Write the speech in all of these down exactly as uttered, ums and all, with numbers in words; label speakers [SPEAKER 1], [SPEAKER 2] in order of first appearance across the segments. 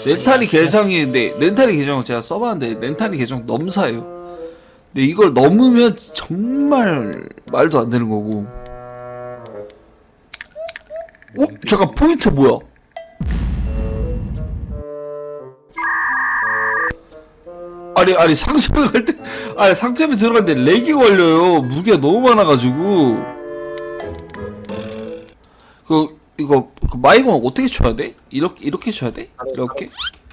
[SPEAKER 1] 렌탈이 계정이 근데 렌탈이 계정을 제가 써봤는데 렌탈이 계정 넘사예요. 근데 이걸 넘으면 정말 말도 안 되는 거고. 어? 잠깐 포인트 뭐야? 아니 아니 상점에 갈 때 아니 상점에 들어갔는데 렉이 걸려요. 무게가 너무 많아가지고. 그 이거 그 마이공 어떻게 쳐야 돼? 이렇게 이렇게 쳐야 돼? 이렇게?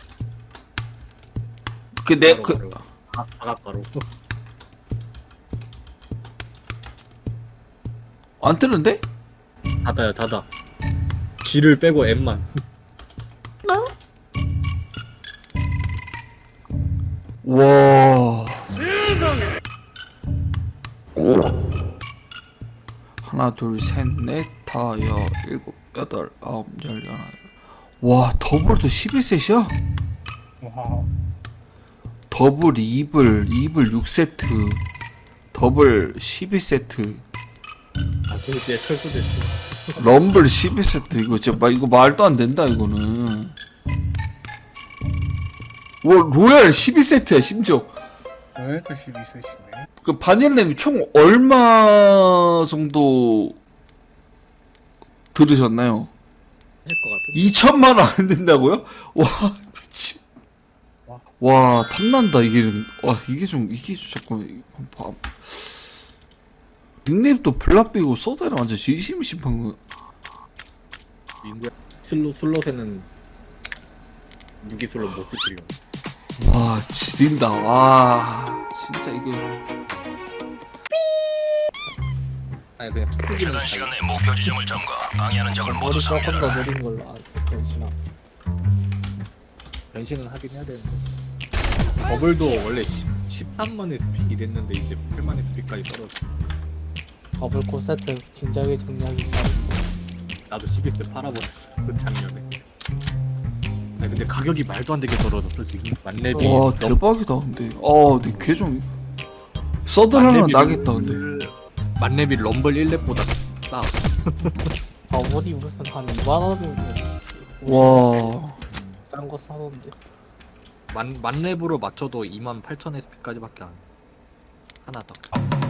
[SPEAKER 1] 그 내 그
[SPEAKER 2] 바가바로
[SPEAKER 1] 안 뜨는데?
[SPEAKER 2] 닫아요 닫아. G를 빼고 M만.
[SPEAKER 1] 와. 하나 둘셋넷 다섯 일곱 여덟 아홉 열 열하나. 와 더블도 십일 셋이야?
[SPEAKER 3] 와.
[SPEAKER 1] 더블 이블 이블 육 세트 더블 십일 세트
[SPEAKER 2] 아 그게 철수됐어.
[SPEAKER 1] 럼블 십일 세트 이거 진짜 말 이거 말도 안 된다 이거는. 와 로얄 십일 세트야 심지어.
[SPEAKER 3] 왜 또 십이 세시네?
[SPEAKER 1] 그 바닐님이 총 얼마 정도 들으셨나요?
[SPEAKER 2] 할것 같은데.
[SPEAKER 1] 이천만 원 안 된다고요? 와 미친.
[SPEAKER 3] 와.
[SPEAKER 1] 와 탐난다 이게 좀. 와 이게 좀 이게 좀 잠깐 봐. 닉네임도 블락비고 서드랑 완전 진심이 심한 거.
[SPEAKER 2] 민구야 슬로 슬롯에는 무기 슬롯 못 쓰시려.
[SPEAKER 1] 와 지린다. 와 진짜 이거.
[SPEAKER 2] 아니 그냥 투기는
[SPEAKER 4] 최단 시간 내 목표 지점을 점거. 방해하는 적을 모두
[SPEAKER 5] 머리 조금 더
[SPEAKER 4] 섬멸하라.
[SPEAKER 5] 느린 걸로. 아, 변신아.
[SPEAKER 2] 변신은 하긴 해야 되는데. 버블도 원래 십, 십삼만의 스픽 이랬는데 이제 팔만의 스픽까지 떨어져.
[SPEAKER 5] 더블 코 세트 진작에 정리하기 전.
[SPEAKER 2] 나도 십일 세 팔아버렸어 작년에. 아니 근데 가격이 말도 안 되게 떨어졌어 지금. 만렙이
[SPEAKER 1] 와
[SPEAKER 2] 넘-
[SPEAKER 1] 대박이다 근데. 아 근데 걔좀 서드 하나
[SPEAKER 2] 만렙이
[SPEAKER 1] 나겠다
[SPEAKER 2] 럼블-
[SPEAKER 1] 근데.
[SPEAKER 2] 만렙이 럼블 일 렙보다 싸.
[SPEAKER 5] 더블이 무슨 한 이만 원이면
[SPEAKER 1] 와
[SPEAKER 5] 싼거 사던데.
[SPEAKER 2] 만 만렙으로 맞춰도 이만 팔천 에스피까지밖에 안. 하나 더.